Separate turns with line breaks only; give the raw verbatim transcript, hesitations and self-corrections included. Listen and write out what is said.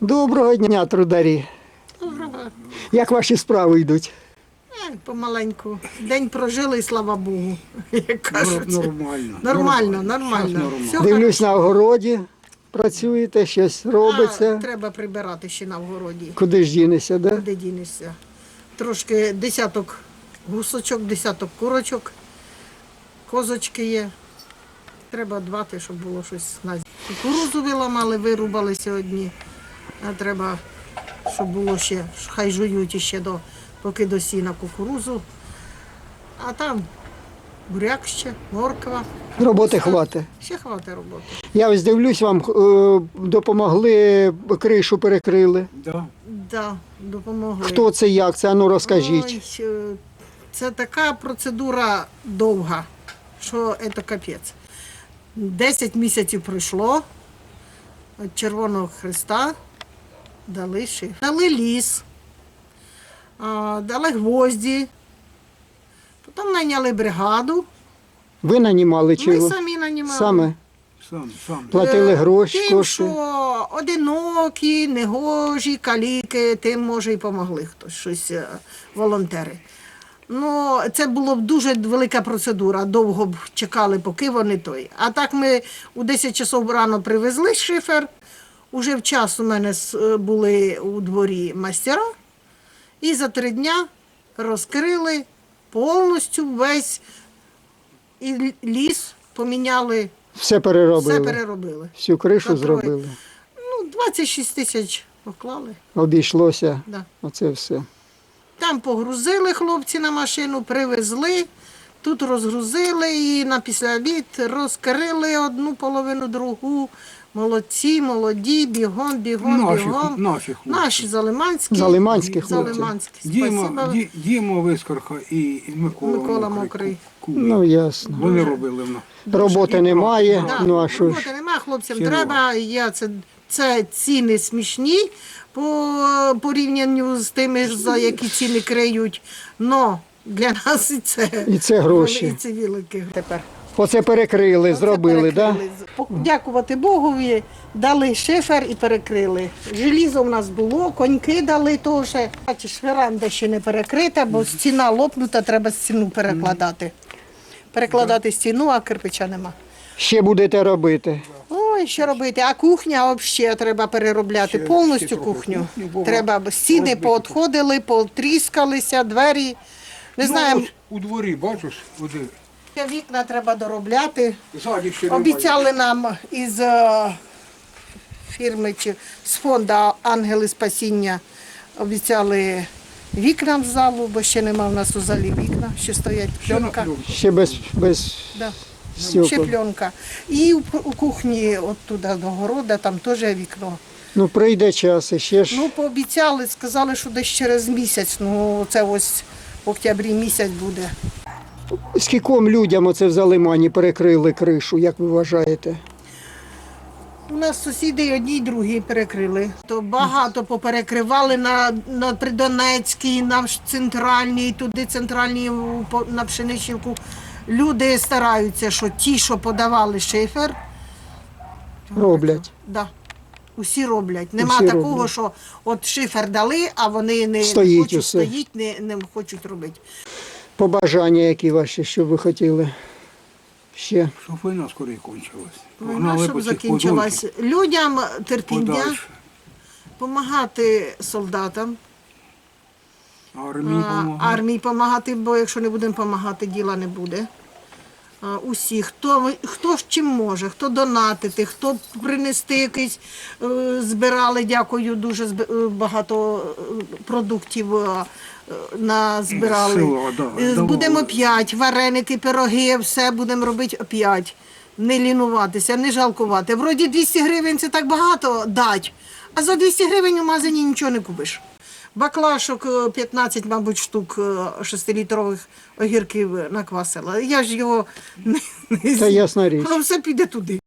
Доброго дня, трударі.
Доброго.
Як ваші справи йдуть?
Е, Помаленьку. День прожили, і слава Богу, як кажуть.
Нормально.
Нормально, нормально.
Щас
Все
Дивлюсь,
хорошо.
на огороді працюєте, щось
А,
робиться.
треба прибирати ще на вгороді.
Куди ж дінешся, да?
Куди дінешся? Трошки десяток гусочок, десяток курочок, козочки є. Треба дбати, щоб було щось на зиму. Кукурудзу виламали, вирубали сьогодні. А треба, щоб було ще, хай жують іще до, поки до сіна кукурудзу. А там буряк ще, морква.
Роботи хватить.
Ще хватить роботи.
Я ось дивлюсь, вам е, допомогли, кришу перекрили.
Да.
Да, допомогли.
Хто це, як це? Ану розкажіть.
Ой, е, це така процедура довга, що це капець. Десять місяців пройшло від Червоного Хреста, дали шифер. Дали ліс, а, дали гвозді, потім найняли бригаду.
Ви нанімали чи
Ми
ви?
самі нанімали.
Саме
Сам, сам.
платили
Е,
гроші,
Тим,
кошти?
що одинокі, негожі, каліки, тим, може, і помогли хтось, щось, е, волонтери. Ну, це була б дуже велика процедура, довго б чекали, поки вони той. А так ми у десять часов рано привезли шифер, уже в час у мене с- е, були у дворі майстера, і за три дня розкрили повністю весь і л- ліс, поміняли,
Все переробили.
все переробили.
Всю кришу
За троє.
зробили.
Ну, двадцять шість тисяч поклали.
Обійшлося.
Да.
Оце все.
Там погрузили хлопці на машину, привезли, тут розгрузили і на післяобід розкрили одну половину, другу. Молодці, молоді, бігом, бігом,
Наші,
бігом.
наші хлопці.
Наші залиманські.
Залиманські хлопці.
Залиманські.
Діма,
Спасибо.
Ді, Діма Вискарха і Микола,
Микола
Мокрий.
Мокрий.
Ку-
Ну, ясно.
Вони робили в нас.
Роботи немає,
Да,
ну а що ж.
роботи нема, хлопцям
Хірово.
треба. Я це, це ціни смішні по порівнянню з тими, ж, за які ціни криють. Но для нас і це,
І це гроші.
І це велике тепер.
Оце перекрили, зробили, так? Да?
перекрили. Дякувати Богові, дали шифер і перекрили. Желізо в нас було, коньки дали теж. Бачиш, веранда ще не перекрита, бо стіна лопнута, треба стіну перекладати. Перекладати стіну, а кирпича нема.
Ще будете робити.
Ой, що робити? А кухня взагалі треба переробляти
Ще-
повністю
ще трохи
кухню.
кухні, бо
Треба, бо стіни
розбиті.
поотходили, потріскалися, двері. Не
Ну,
знаю,
ось у дворі, бачиш, води.
вікна треба доробляти.
Ззаді ще немає.
Обіцяли нам із е, фірми чи з фонду Ангели Спасіння, обіцяли вікна в залу, бо ще нема в нас у залі вікна, ще стоять
Ще на
пленка.
пленку.
Ще без, без
Да. Ще
стекол.
пленка. І у, у кухні, от туди до города, там теж вікно.
Ну, прийде час, і ще ж.
Ну, пообіцяли, сказали, що десь через місяць, ну це ось в октябрі місяць буде.
Скільком людям оце в Залимані перекрили кришу, як ви вважаєте?
У нас сусіди й одні, й другі перекрили. То багато поперекривали на, на Придонецькій, на центральній, туди центральній у- по- на Пшеничівку. Люди стараються, що ті, що подавали шифер,
Роблять.
да, усі роблять. Нема
Усі
такого,
роблять.
що от шифер дали, а вони не
Стоїть
хочуть
усе.
стоїть, не, не хочуть робити.
Побажання, які ваші, що ви хотіли? Ще.
Щоб війна скоріше кончилась.
Війна,
Погнали
щоб
по цих
закінчилась.
подвір'ях
Людям терпіння,
подальше.
допомагати солдатам.
Армії
А,
помогли.
армії допомагати, бо якщо не будемо допомагати, діла не буде. А, Усі, хто, хто ж чим може, хто донатити, хто принести якийсь, е, збирали, дякую, дуже зб- е, багато е, продуктів е, е, назбирали.
Село, да,
Е,
давали.
Будемо опять, вареники, пироги, все будемо робити опять. Не лінуватися, не жалкувати. Вроді двісті гривень це так багато дать, а за двісті гривень у магазині нічого не купиш. Баклашок е, п'ятнадцять, мабуть, штук е, шестилітрових огірків наквасила. Я ж його не, не
Це ясна річ.
Воно все піде туди.